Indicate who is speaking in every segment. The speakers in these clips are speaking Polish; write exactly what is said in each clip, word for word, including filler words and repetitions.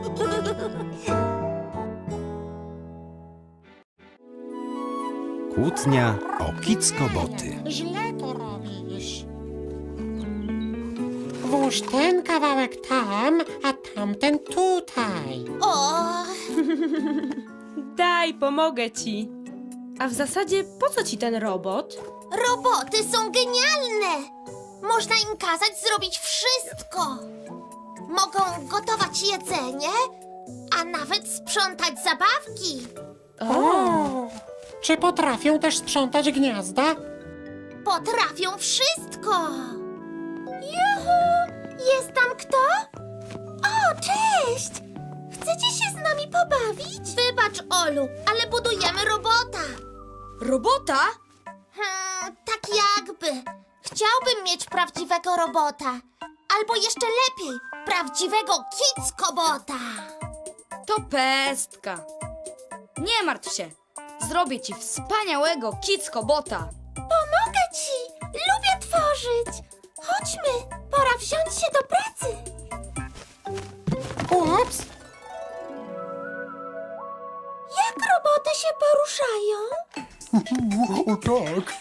Speaker 1: Kłótnia o kickoboty.
Speaker 2: Źle to robisz. Włóż ten kawałek tam, a tamten tutaj.
Speaker 3: O,
Speaker 4: Daj, pomogę ci. A w zasadzie po co ci ten robot?
Speaker 3: roboty są genialne! Można im kazać zrobić wszystko. Mogą gotować jedzenie, a nawet sprzątać zabawki.
Speaker 2: O! Czy potrafią też sprzątać gniazda?
Speaker 3: Potrafią wszystko. Juhu! Jest tam kto? O, cześć! Chcecie się z nami pobawić? Wybacz, Olu, ale budujemy robota.
Speaker 5: Robota?
Speaker 3: Hmm, tak jakby. Chciałbym mieć prawdziwego robota. Albo jeszcze lepiej, prawdziwego kickobota.
Speaker 5: To pestka. Nie martw się. Zrobię ci wspaniałego kickobota.
Speaker 3: Pomogę ci! Lubię tworzyć! Chodźmy, pora wziąć się do pracy.
Speaker 2: Ups!
Speaker 3: Jak roboty się poruszają?
Speaker 6: O tak.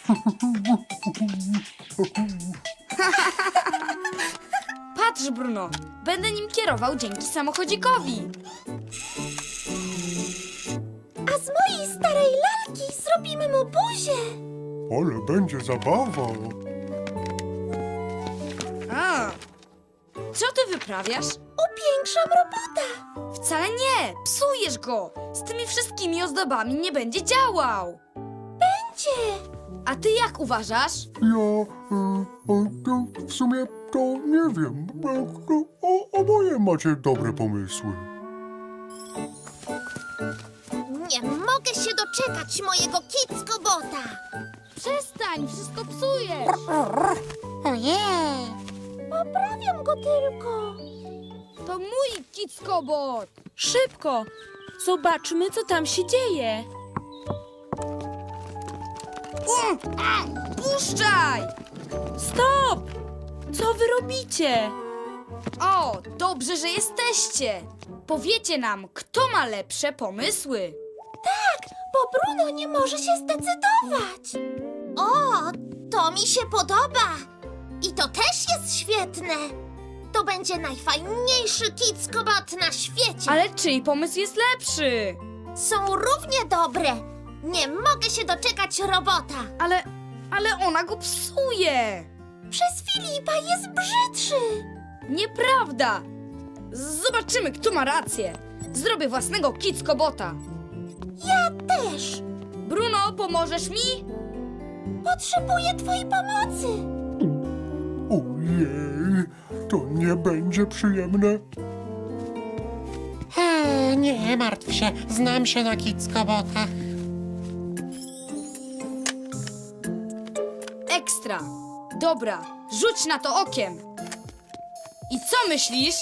Speaker 5: Patrz, Bruno. Będę nim kierował dzięki samochodzikowi.
Speaker 3: A z mojej starej lalki zrobimy mu buzię.
Speaker 6: Ale będzie zabawa.
Speaker 5: A, co ty wyprawiasz?
Speaker 3: Upiększam robota.
Speaker 5: Wcale nie. Psujesz go. Z tymi wszystkimi ozdobami nie będzie działał.
Speaker 3: Będzie.
Speaker 5: A ty jak uważasz?
Speaker 6: Ja e, e, to w sumie to nie wiem. E, to, o, oboje macie dobre pomysły.
Speaker 3: Nie mogę się doczekać mojego kickobota.
Speaker 5: Przestań, wszystko psujesz.
Speaker 2: Ojej!
Speaker 3: Poprawiam go tylko.
Speaker 5: To mój kickobot.
Speaker 4: Szybko! Zobaczmy, co tam się dzieje.
Speaker 5: Um, a, puszczaj!
Speaker 4: Stop! Co wy robicie?
Speaker 5: O, dobrze, że jesteście. Powiecie nam, kto ma lepsze pomysły.
Speaker 3: Tak, bo Bruno nie może się zdecydować. O, to mi się podoba. I to też jest świetne. To będzie najfajniejszy kickobot na świecie.
Speaker 5: Ale czyj pomysł jest lepszy?
Speaker 3: Są równie dobre. Nie mogę się doczekać robota.
Speaker 5: Ale, ale ona go psuje.
Speaker 3: Przez Filipa jest brzydszy.
Speaker 5: Nieprawda. Zobaczymy, kto ma rację. Zrobię własnego kickobota.
Speaker 3: Ja też.
Speaker 5: Bruno, pomożesz mi?
Speaker 3: Potrzebuję twojej pomocy.
Speaker 6: Ojej, to nie będzie przyjemne.
Speaker 2: E, nie martw się, znam się na kickobotach.
Speaker 5: Ekstra. Dobra, rzuć na to okiem. I co myślisz?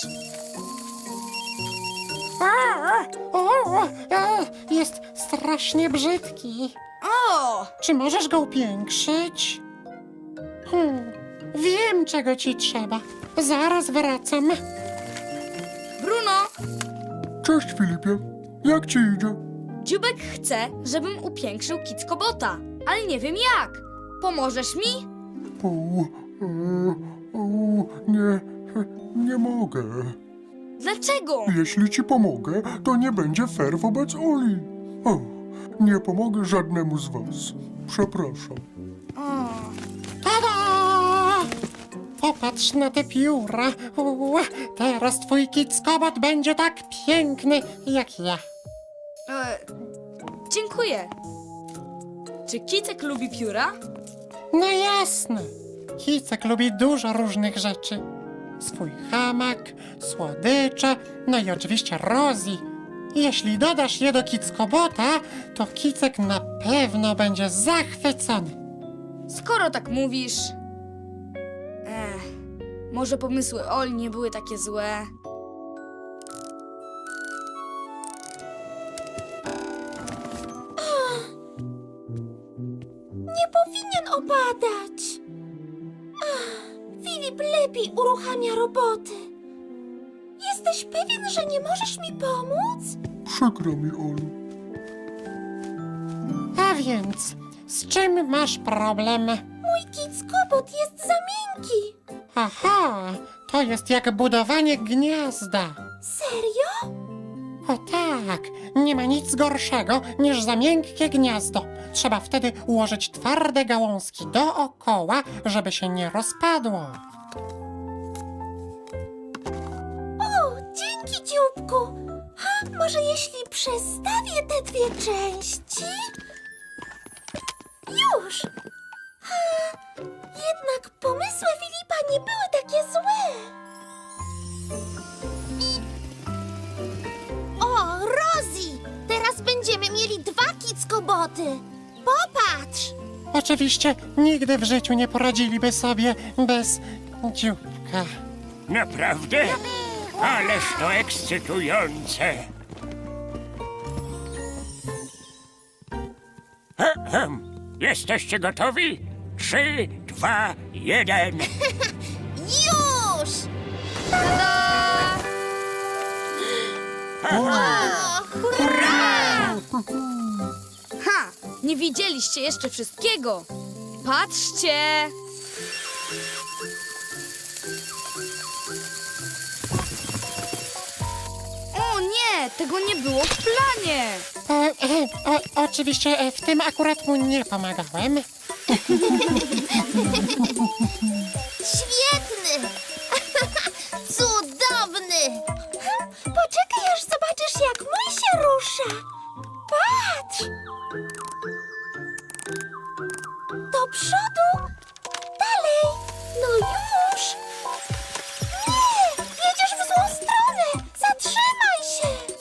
Speaker 2: O, o, e, jest strasznie brzydki.
Speaker 5: O!
Speaker 2: Czy możesz go upiększyć? Hmm, wiem, czego ci trzeba. Zaraz wracam.
Speaker 5: Bruno,
Speaker 6: Cześć Filipie, jak ci idzie?
Speaker 5: Dziubek chce, żebym upiększył kickobota, ale nie wiem jak. Pomożesz mi?
Speaker 6: O, e, o, nie, nie mogę.
Speaker 5: Dlaczego?
Speaker 6: Jeśli ci pomogę, to nie będzie fair wobec Oli. O, nie pomogę żadnemu z was. Przepraszam.
Speaker 5: O,
Speaker 2: Tada! Popatrz na te pióra. U, teraz twój kickobot będzie tak piękny jak ja.
Speaker 5: e, dziękuję. Czy Kicek lubi pióra?
Speaker 2: No jasne. Kicek lubi dużo różnych rzeczy. Swój hamak, słodycze, no i oczywiście Rosie. Jeśli dodasz je do kickobota, to Kicek na pewno będzie zachwycony.
Speaker 5: Skoro tak mówisz... Ech, może pomysły Oli nie były takie złe.
Speaker 3: Nie powinien opadać. Ach, Filip lepiej uruchamia roboty. Jesteś Jesteś pewien, że nie możesz mi pomóc?
Speaker 6: Przykro mi, Olu.
Speaker 2: A więc, z czym masz problem?
Speaker 3: Mój kickobot jest za miękki.
Speaker 2: Aha, to jest jak budowanie gniazda.
Speaker 3: Serio?
Speaker 2: O tak, nie ma nic gorszego niż za miękkie gniazdo. Trzeba wtedy ułożyć twarde gałązki dookoła, żeby się nie rozpadło.
Speaker 3: O, dzięki, dzióbku. Ha, może jeśli przestawię te dwie części? Już. Ha, jednak pomysły Filipa nie były takie złe. O, Rosie! Teraz będziemy mieli dwa kickoboty. Popatrz!
Speaker 2: Oczywiście nigdy w życiu nie poradziliby sobie bez dzióbka.
Speaker 7: Naprawdę? Ależ to ekscytujące! Ahem. Jesteście gotowi? Trzy, dwa, jeden.
Speaker 3: Już! O, hurra!
Speaker 5: Ha! Nie widzieliście jeszcze wszystkiego. Patrzcie! O nie, tego nie było w planie.
Speaker 2: O, e, o, oczywiście e, w tym akurat mu nie pomagałem.
Speaker 3: Świetny! Cudowny! Poczekaj, aż zobaczysz, jak mój się rusza. Patrz! Do przodu! Dalej! No już! Nie! Jedziesz w złą stronę! Zatrzymaj się!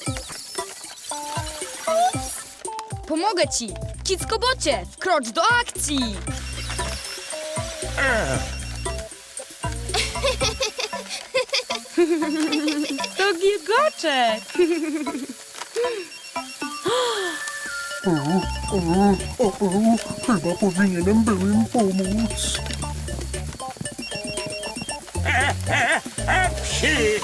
Speaker 3: Ups!
Speaker 5: Pomogę ci. Kickobocie, wkrocz do akcji.
Speaker 4: To gilgoczek!
Speaker 6: O, o, o, o, chyba powinienem był im pomóc.
Speaker 7: Psi!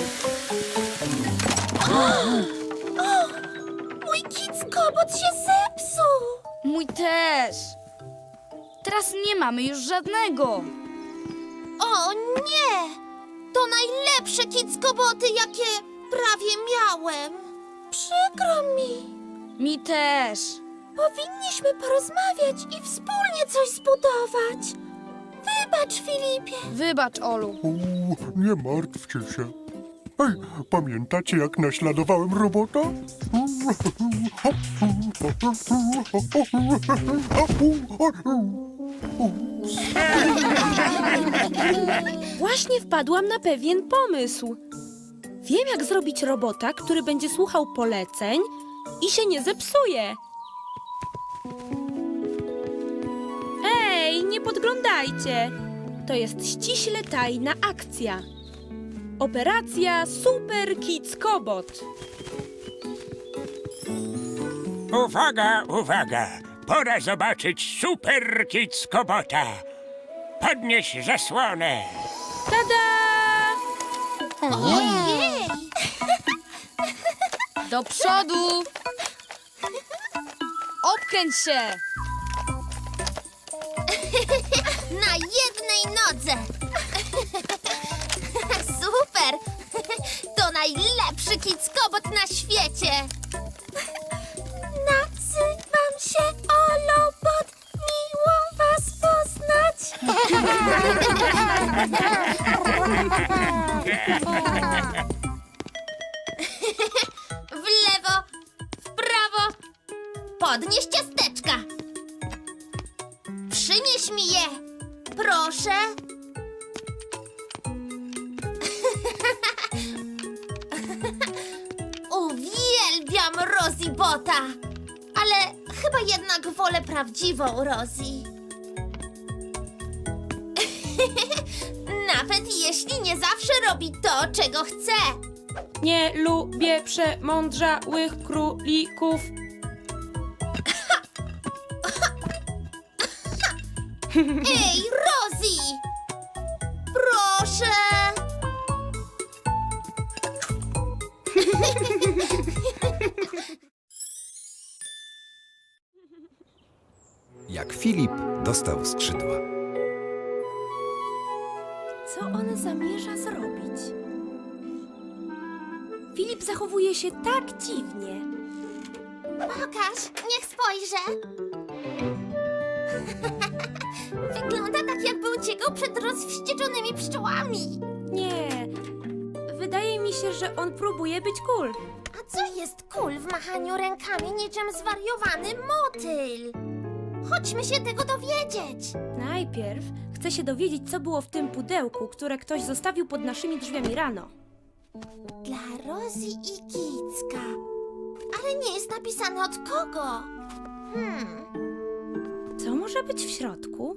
Speaker 3: Mój kickobot się zepsuł!
Speaker 5: Mój też. Teraz nie mamy już żadnego.
Speaker 3: O nie! To najlepsze kickoboty, jakie prawie miałem. Przykro mi.
Speaker 5: Mi też.
Speaker 3: Powinniśmy porozmawiać i wspólnie coś zbudować. Wybacz, Filipie.
Speaker 5: Wybacz, Olu.
Speaker 6: O, nie martwcie się. Ej, pamiętacie, jak naśladowałem robota?
Speaker 4: Właśnie wpadłam na pewien pomysł. Wiem, jak zrobić robota, który będzie słuchał poleceń i się nie zepsuje. Ej, nie podglądajcie! To jest ściśle tajna akcja. Operacja Super Kickobot.
Speaker 7: Uwaga, uwaga! Pora zobaczyć Super Kickobota. Podnieś zasłonę.
Speaker 4: Tada!
Speaker 3: Ojej!
Speaker 5: Do przodu. Obkręć się.
Speaker 3: Na jednej nodze. Super! To najlepszy kickobot na świecie. Nazywam się Olobot. Miło was poznać. W lewo, w prawo. Podnieś ciasteczka. Przynieś mi je. Proszę. Uwielbiam Rosie Bota. Ale chyba jednak wolę prawdziwą Rosie. Nawet jeśli nie zawsze robi to, czego chce.
Speaker 4: Nie lubię przemądrzałych królików.
Speaker 3: Ej, Rosie! Proszę!
Speaker 1: Filip dostał skrzydła.
Speaker 4: Co on zamierza zrobić? Filip zachowuje się tak dziwnie.
Speaker 3: Pokaż, niech spojrzę. Wygląda tak, jakby uciekał przed rozwścieczonymi pszczołami.
Speaker 4: Nie, wydaje mi się, że on próbuje być cool.
Speaker 3: A co jest kul w machaniu rękami niczym zwariowany motyl? Chodźmy się tego dowiedzieć.
Speaker 4: Najpierw chcę się dowiedzieć, co było w tym pudełku, które ktoś zostawił pod naszymi drzwiami rano.
Speaker 3: Dla Rosie i Kicka. Ale nie jest napisane od kogo. Hmm,
Speaker 4: Co może być w środku?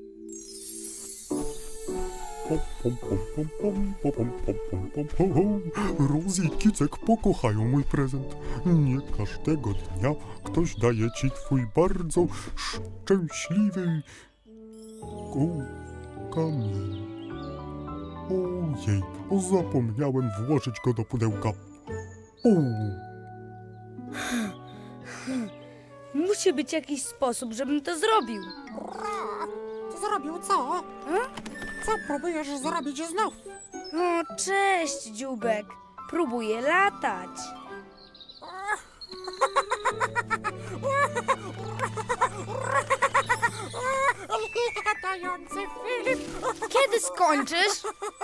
Speaker 6: Pom, pom, pom, pom, pom, pom, pom, pom, pom, pom, pom. Rosie i Kicek pokochają mój prezent. Nie każdego dnia ktoś daje ci twój bardzo szczęśliwy o, kamień. Ojej, zapomniałem włożyć go do pudełka. O,
Speaker 5: Musi być jakiś sposób, żebym to zrobił.
Speaker 2: Zrobił co? Co próbujesz zrobić znów?
Speaker 5: O, cześć, dzióbek. Próbuję latać.
Speaker 2: Latający Filip!
Speaker 5: Kiedy skończysz?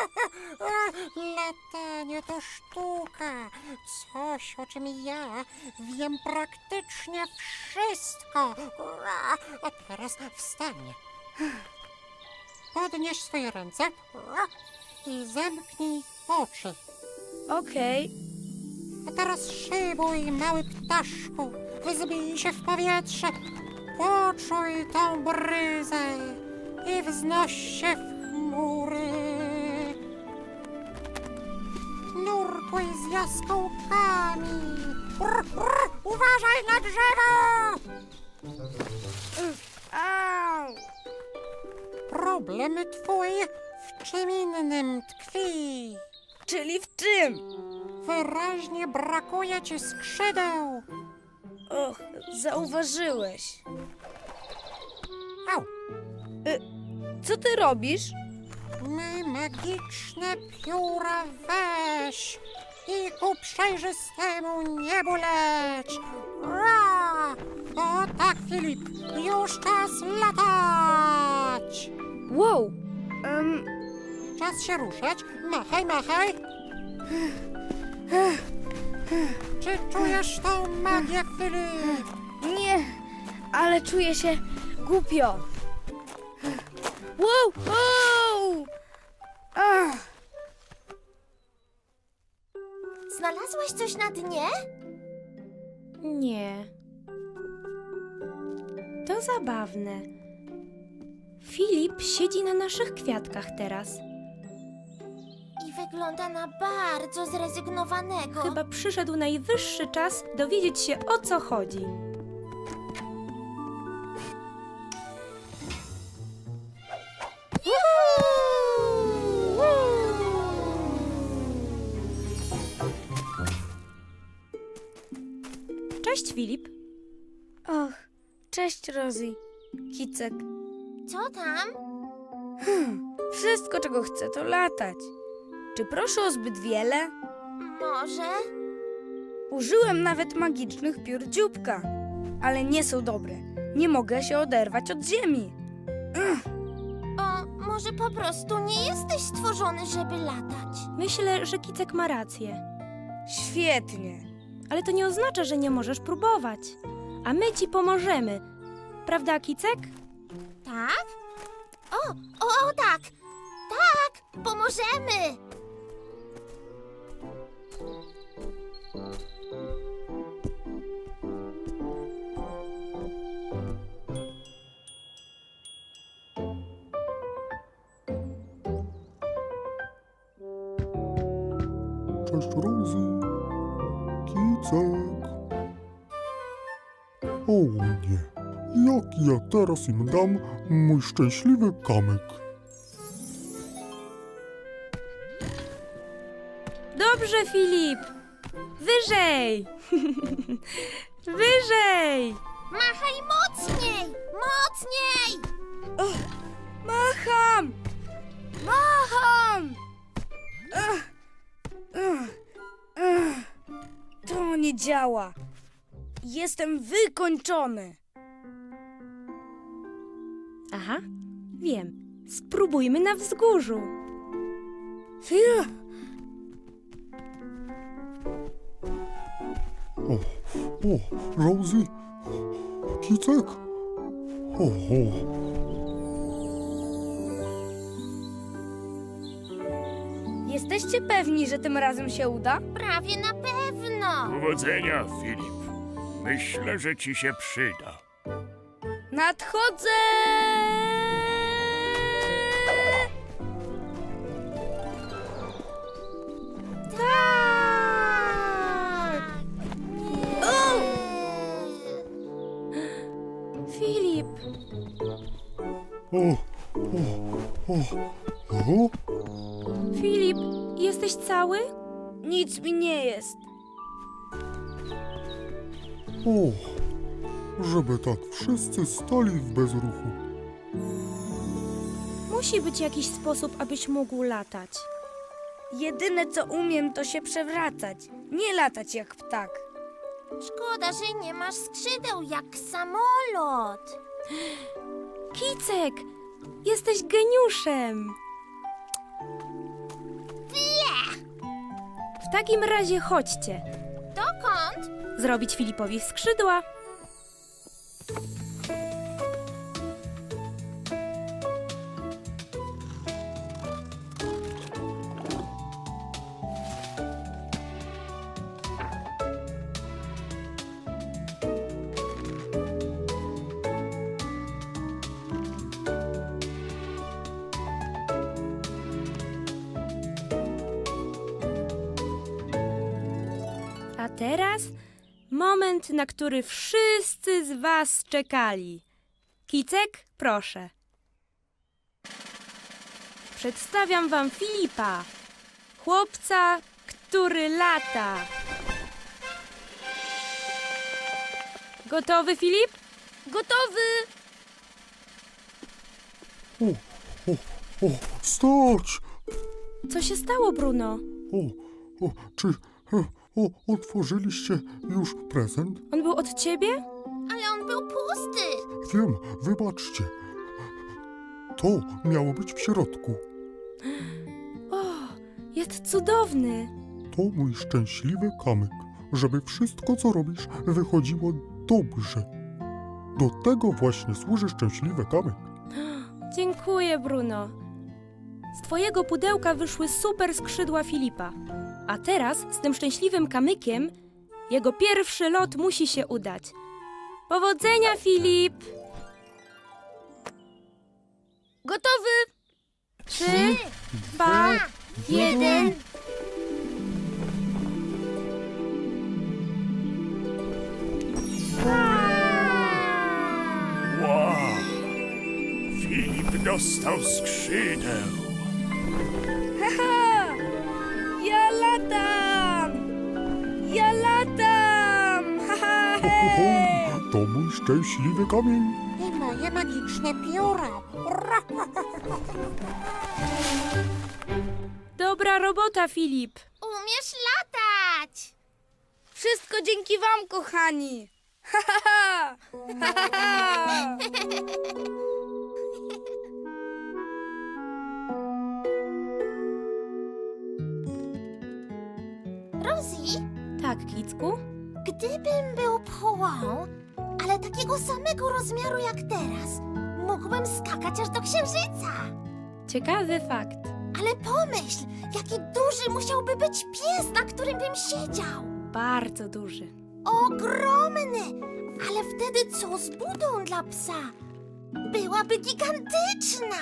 Speaker 2: Latanie to sztuka. Coś, o czym ja wiem praktycznie wszystko. A teraz wstań. Podnieś swoje ręce i zamknij oczy.
Speaker 5: Okej.
Speaker 2: A teraz szybuj, mały ptaszku. Wzbij się w powietrze. Poczuj tą bryzę i wznoś się w chmury. Nurkuj z jaskółkami. Brr, brr, uważaj na drzewo!
Speaker 5: Au!
Speaker 2: Problem twój w czym innym tkwi.
Speaker 5: Czyli w czym?
Speaker 2: Wyraźnie brakuje ci skrzydeł.
Speaker 5: Och, zauważyłeś.
Speaker 2: Au!
Speaker 5: Co ty robisz?
Speaker 2: My magiczne pióra weź i ku przejrzystemu niebu leć. Ra! O tak, Filip, już czas latać.
Speaker 5: Wow! Um,
Speaker 2: Czas się ruszać. Machaj, machaj. Czy czujesz tą magię, Filip?
Speaker 5: nie, ale czuję się głupio. Wow! Wow! Ach,
Speaker 3: znalazłeś coś na dnie?
Speaker 4: Nie. To zabawne. Filip siedzi na naszych kwiatkach teraz.
Speaker 3: I wygląda na bardzo zrezygnowanego.
Speaker 4: Chyba przyszedł najwyższy czas dowiedzieć się, o co chodzi. Cześć, Filip.
Speaker 5: och, cześć, Rosie. Kicek.
Speaker 3: Co tam?
Speaker 5: Wszystko, czego chcę, to latać. Czy proszę o zbyt wiele?
Speaker 3: Może?
Speaker 5: Użyłem nawet magicznych piór dzióbka, ale nie są dobre. Nie mogę się oderwać od ziemi.
Speaker 3: O, może po prostu nie jesteś stworzony, żeby latać.
Speaker 4: Myślę, że Kicek ma rację.
Speaker 5: Świetnie.
Speaker 4: Ale to nie oznacza, że nie możesz próbować. A my ci pomożemy. Prawda, Kicek?
Speaker 3: Tak? O, o, o tak! Tak! Pomożemy!
Speaker 6: cześć Rosie. Kicek. O nie, jak ja teraz im dam mój szczęśliwy kamyk?
Speaker 4: Dobrze, Filip. Wyżej. Wyżej.
Speaker 3: Machaj mocniej! Mocniej!
Speaker 5: Macham! Macham! Ach, ach, ach. To nie działa. Jestem wykończony.
Speaker 4: Aha, wiem. Spróbujmy na wzgórzu.
Speaker 5: Fiu.
Speaker 6: O, o, Rosie, Kicek. O, o.
Speaker 5: Jesteście pewni, że tym razem się uda?
Speaker 3: Prawie na pewno!
Speaker 7: Powodzenia, Filip. Myślę, że ci się przyda.
Speaker 5: Nadchodzę!
Speaker 3: Tak!
Speaker 5: O!
Speaker 4: Filip,
Speaker 6: O, o, o, o.
Speaker 4: Filip, jesteś cały?
Speaker 5: Nic mi nie jest.
Speaker 6: O, żeby tak wszyscy stali w bezruchu.
Speaker 4: Musi być jakiś sposób, abyś mógł latać.
Speaker 5: Jedyne co umiem to się przewracać, nie latać jak ptak.
Speaker 3: Szkoda, że nie masz skrzydeł jak samolot.
Speaker 4: Kicek, jesteś geniuszem. W takim razie chodźcie.
Speaker 3: Dokąd?
Speaker 4: Zrobić Filipowi skrzydła. A teraz moment, na który wszyscy z was czekali. Kicek, proszę. Przedstawiam wam Filipa, chłopca, który lata. Gotowy, Filip?
Speaker 5: Gotowy!
Speaker 6: O, o, o, stać!
Speaker 4: Co się stało, Bruno?
Speaker 6: O, o, czy e, o, otworzyliście już prezent?
Speaker 4: On był od ciebie?
Speaker 3: Ale on był pusty.
Speaker 6: Wiem, wybaczcie. To miało być w środku.
Speaker 4: O, jest cudowny.
Speaker 6: To mój szczęśliwy kamyk, żeby wszystko, co robisz, wychodziło dobrze. Do tego właśnie służy szczęśliwy kamyk.
Speaker 4: Dziękuję, Bruno. Z twojego pudełka wyszły super skrzydła Filipa. A teraz z tym szczęśliwym kamykiem jego pierwszy lot musi się udać. Powodzenia, Filip!
Speaker 5: Gotowy!
Speaker 4: Trzy, dwa, jeden.
Speaker 7: Wow! Filip dostał skrzydeł.
Speaker 5: Haha! Ja latam! Ja latam! Haha!
Speaker 6: Ho, ho,
Speaker 5: Hej!
Speaker 6: ho, to mój szczęśliwy kamień.
Speaker 2: I moje magiczne pióro.
Speaker 4: Dobra robota, Filip.
Speaker 3: Umiesz latać.
Speaker 5: Wszystko dzięki wam, kochani! Ha, ha, ha! Ha, ha, ha!
Speaker 3: Rosie,
Speaker 4: Tak, Kicku?
Speaker 3: gdybym był pchłą, ale takiego samego rozmiaru jak teraz, mógłbym skakać aż do księżyca.
Speaker 4: Ciekawy fakt.
Speaker 3: Ale pomyśl, jaki duży musiałby być pies, na którym bym siedział.
Speaker 4: Bardzo duży.
Speaker 3: Ogromny! Ale wtedy co z budą dla psa? Byłaby gigantyczna!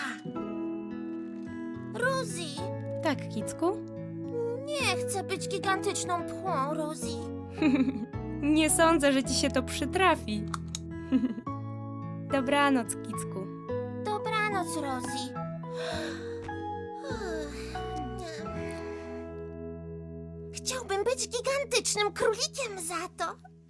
Speaker 3: Rosie,
Speaker 4: Tak, Kicku?
Speaker 3: nie chcę być gigantyczną pchłą, Rosie.
Speaker 4: Nie sądzę, że ci się to przytrafi. Dobranoc, Kicku.
Speaker 3: Dobranoc, Rosie. Chciałbym być gigantycznym królikiem za to.